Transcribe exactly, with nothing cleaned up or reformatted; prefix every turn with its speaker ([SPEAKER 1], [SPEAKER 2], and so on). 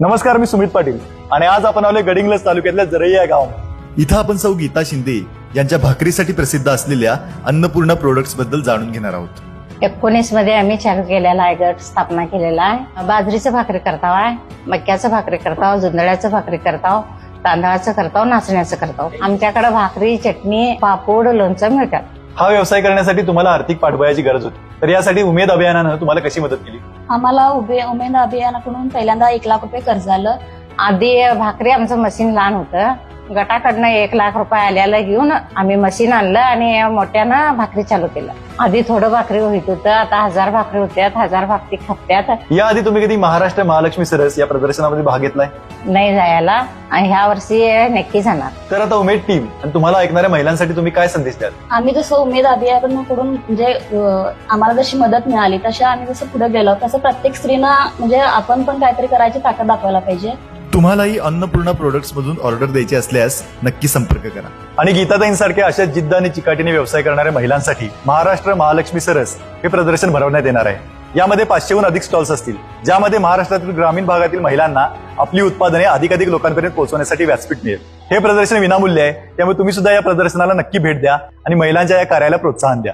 [SPEAKER 1] नमस्कार, मी सुमित पाटील आणि आज आपण आलोय गडिंग्लज तालुक्यातल्या जरई या गाव.
[SPEAKER 2] इथं आपण सौ गीता शिंदे यांच्या भाकरीसाठी प्रसिद्ध असलेल्या अन्नपूर्णा प्रोडक्ट्स बद्दल जाणून घेणार आहोत.
[SPEAKER 3] एकोणीस मध्ये आम्ही चालू केलेला आहे, गट स्थापना केलेला आहे. बाजरीचं भाकरी करताव आहे, मक्याचं भाकरी करताव, जुंधळ्याचं भाकरी करताव, तांदळाचं करताव, नाचण्याचं करताव. आमच्याकडे भाकरी, चटणी, पापड, लोणचं मिळतात.
[SPEAKER 1] हा व्यवसाय करण्यासाठी तुम्हाला आर्थिक पाठबळाची गरज होती, तर यासाठी उमेद अभियानानं तुम्हाला कशी मदत केली?
[SPEAKER 4] आम्हाला उभे उमेद अभियानाकडून पहिल्यांदा एक लाख रुपये कर्ज आलं.
[SPEAKER 3] आधी भाकरी आमचं मशीन लहान होतं, गटाकडनं एक लाख रुपये आल्याला घेऊन आम्ही मशीन आणलं आणि मोठ्यानं भाकरी चालू केलं. आधी थोडं भाकरी होत होतं, आता हजार भाकरी होत्यात, हजार भाकरी खपत्यात.
[SPEAKER 1] याआधी तुम्ही कधी महाराष्ट्र महालक्ष्मी सरस या प्रदर्शनामध्ये भाग घेतलाय?
[SPEAKER 3] नाही जायला, आणि ह्या वर्षी नक्की जाणार.
[SPEAKER 1] तर आता उमेद टीम आणि तुम्हाला ऐकणाऱ्या महिलांसाठी तुम्ही काय संदेश द्याल?
[SPEAKER 4] आम्ही जसं उमेद अभियानाकडून म्हणजे अं, आम्हाला जशी मदत मिळाली तशा आम्ही जसं पुढे गेलो तसं प्रत्येक स्त्रीना म्हणजे आपण पण काहीतरी करायची ताकद दाखवायला पाहिजे.
[SPEAKER 2] तुम्हालाही अन्नपूर्णा प्रोडक्ट्स मधून ऑर्डर द्यायची असल्यास नक्की संपर्क करा.
[SPEAKER 1] आणि गीताताईंसारख्या अशा जिद्द आणि चिकाटीने व्यवसाय करणाऱ्या महिलांसाठी महाराष्ट्र महालक्ष्मी सरस हे प्रदर्शन भरवण्यात येणार आहे. यामध्ये पाचशेहून अधिक स्टॉल्स असतील, ज्यामध्ये महाराष्ट्रातील ग्रामीण भागातील महिलांना आपली उत्पादने अधिकाधिक लोकांपर्यंत पोहोचवण्यासाठी व्यासपीठ मिळेल. हे प्रदर्शन विनामूल्य आहे, त्यामुळे तुम्ही सुद्धा या प्रदर्शनाला नक्की भेट द्या आणि महिलांच्या या कार्याला प्रोत्साहन द्या.